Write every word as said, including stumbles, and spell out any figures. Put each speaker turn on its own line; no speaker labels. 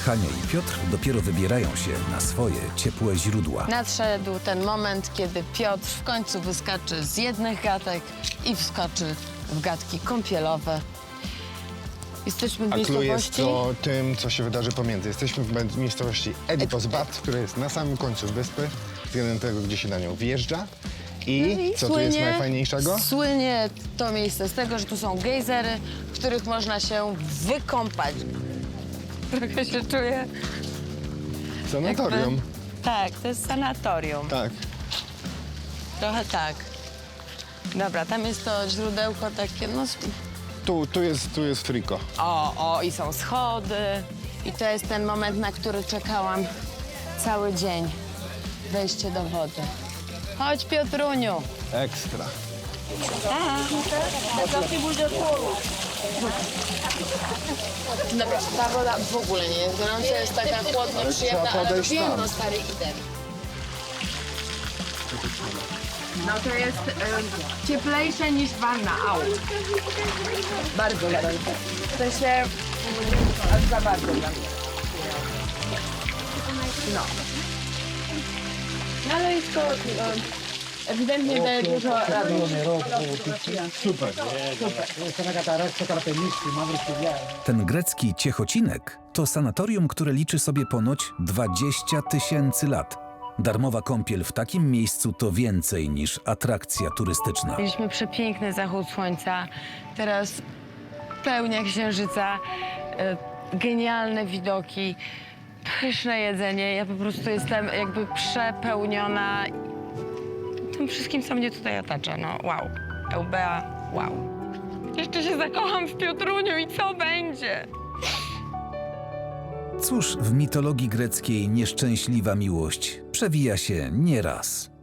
Hania i Piotr dopiero wybierają się na swoje ciepłe źródła.
Nadszedł ten moment, kiedy Piotr w końcu wyskaczy z jednych gatek i wskoczy w gatki kąpielowe. Jesteśmy w
A clue jest
miejscowości...
to tym, co się wydarzy pomiędzy. Jesteśmy w miejscowości Edipos Bat, która jest na samym końcu wyspy, względem tego, gdzie się na nią wjeżdża. I,
No i
co tu jest najfajniejszego?
Słynie to miejsce z tego, że tu są gejzery, w których można się wykąpać. Trochę się czuję...
Sanatorium.
Jakby... Tak, to jest sanatorium.
Tak.
Trochę tak. Dobra, tam jest to źródełko takie, no...
Tu, tu jest, tu jest friko.
O, o, i są schody. I to jest ten moment, na który czekałam cały dzień. Wejście do wody. Chodź, Piotruniu.
Ekstra.
Dobra, ta woda w ogóle nie jest gorąca, jest taka chłodno przyjemna,
trzeba
ale
podejść
wiem,
tam.
no stary, idę. No to jest e, cieplejsze niż wanna, au. Bardzo gorące. W sensie, aż za bardzo dla mnie. No. No ale jest to e, ewidentnie daje dużo radości.
Ten grecki Ciechocinek to sanatorium, które liczy sobie ponoć dwadzieścia tysięcy lat. Darmowa kąpiel w takim miejscu to więcej niż atrakcja turystyczna.
Mieliśmy przepiękny zachód słońca, teraz pełnia księżyca, e, genialne widoki, pyszne jedzenie. Ja po prostu jestem jakby przepełniona tym wszystkim, co mnie tutaj otacza. No wow, Eubea, wow. Jeszcze się zakocham w Piotruniu i co będzie?
Cóż, w mitologii greckiej nieszczęśliwa miłość przewija się nieraz.